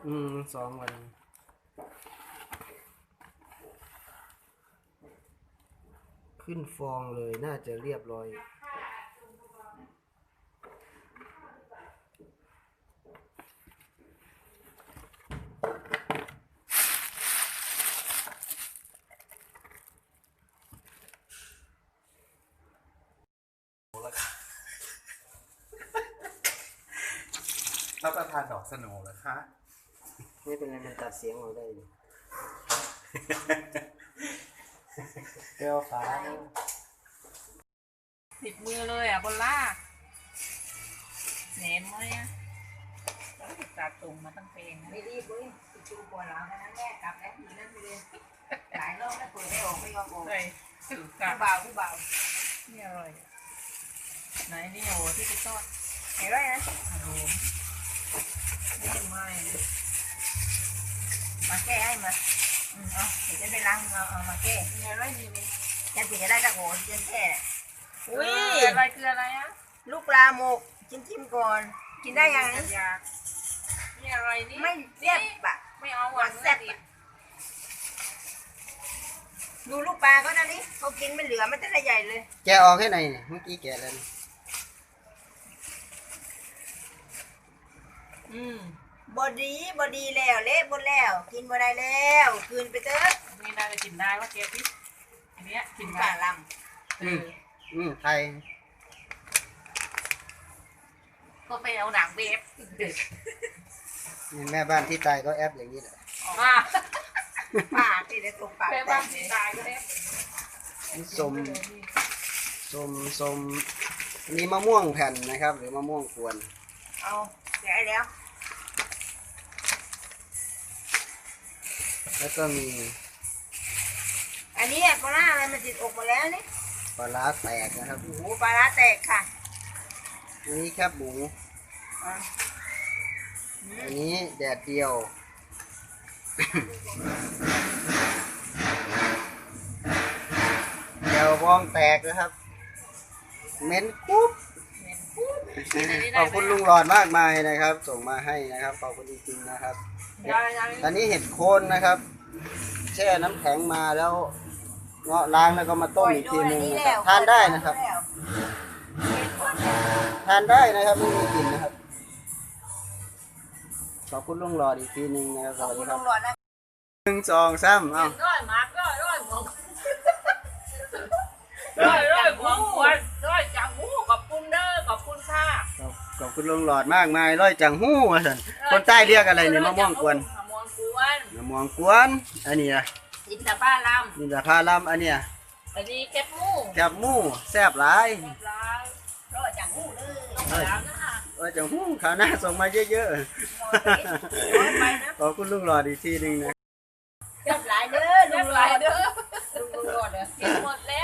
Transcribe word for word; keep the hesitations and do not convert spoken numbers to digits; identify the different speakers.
Speaker 1: อืมสองวันขึ้นฟองเลยน่าจะเรียบร้อย
Speaker 2: รับประทานดอกสโนว์เหรอคะ
Speaker 1: ไม่เป็นไรมันตัดเสียงเราได้อยู่เจ้าฟ้า
Speaker 3: ติดมือเลยอ่ะบนล่าแหนมไหมอ่ะตัดตรงมาตั้งเพลงไม่รีบเลยจูปวดหลังนั้นแม่กลับแล้วทีนั้นไปเลยหลายรอบแล้วเปิดไม่ออกไม่ยอมออกเลยผู้เบาผู้เบานี่อร่อยไหนนี่โอ้ที่ไปทอดไหนไรนะโอ้ไม่ไม่มาแก้ให้มาอืมเอาเดี๋ยวจะไปล้างเอาเอามาแก้นี่อะไรนี่นี่จะถึงจะได้ตะโกนจนแก้อุ้ยอะไรคืออะไรอ่ะลูกปลาหมกจิ้มจิ้มก่อนกินได้ยังนี่อะไรนี่ไม่แซ่บอะไม่เอาหวานแซ่บดูลูกปลาก็นะนี่เขากินไม่เหลือมันจะได้ใหญ่เลย
Speaker 1: แกะออกให้หน่อยเมื่อกี้แกะแล้ว
Speaker 3: อืม
Speaker 4: บอดีบอดีแล้วเละบดแล้วกินบ่ได้แล้วคืนไปเถอะ
Speaker 3: นี่น่าจะกินได้ว่าเกพี่อันเนี้ยกินได้
Speaker 4: ป่าล
Speaker 3: ำอืม
Speaker 1: อืมไทย
Speaker 3: ก็ไปเอาหนังเวฟ
Speaker 1: แม่บ้านที่ตายก็แอปอย่างนี้แหละ
Speaker 3: อ่า
Speaker 4: ป่าที่ได้ตรงป่า
Speaker 3: แม่บ้านที่ตายก็ได้
Speaker 1: นี่สมสมสมอันนี้มะม่วงแผ่นนะครับ หรือมะม่วงกวน
Speaker 4: เอาแกะแล้ว
Speaker 1: แล้วก็มี
Speaker 4: อันนี้ปลาร้าอะไรมันติดอกมาแล้วนี่
Speaker 1: ปลาร้าแตกนะครับ
Speaker 4: โอ้โหปลาร้าแตกค่ะ
Speaker 1: อันนี้ครับหมูอันนี้แดดเดียวเดียวบองแตกนะครับเม้นกุ๊บขอบคุณลุงหลอดมากมายนะครับ ส่งมาให้นะครับขอบคุณจริงๆนะครับตอนนี้เห็ดโคนนะครับแช่น้ำแข็งมาแล้วเงาะล้างแล้วก็มาต้มอีกทีนึงนะครับทานได้นะครับทานได้นะครับไม่มีกลิ่นนะครับขอบคุณลุงหลอดอีกทีนึงนะครับสวัสดีครับหนึ่งสองสามเอ้า
Speaker 3: ร้อยมาร์กร้อยร้อยของร้อยร้อยของขวัญร้อยจังหูขอบคุณเด้อขอบคุณค่ะ
Speaker 1: ขอบคุณลุงหลอดมากมายร้อยจังหู้สันคนใต้เรียกอะไรเนี่ยมะม่วงกวน
Speaker 3: มะม่วงกวน
Speaker 1: มะม่วงกวนอันนี้นะ
Speaker 3: อินทผลัม
Speaker 1: อินทผลัมอันเนี้ย
Speaker 3: อันนี้แคบหมู
Speaker 1: แคบหมูแซ่บหลาย
Speaker 4: ร้อยจังหู้เลย
Speaker 1: ร้อยจังหู้ข่าวหน้าส่งมาเยอะๆขอบคุณลุงหลอดอีกทีนึงนะ
Speaker 4: จับหลายเด้อ
Speaker 3: ลุงหลอดเด้อลุงหลอดเด้อกินหมดแล้ว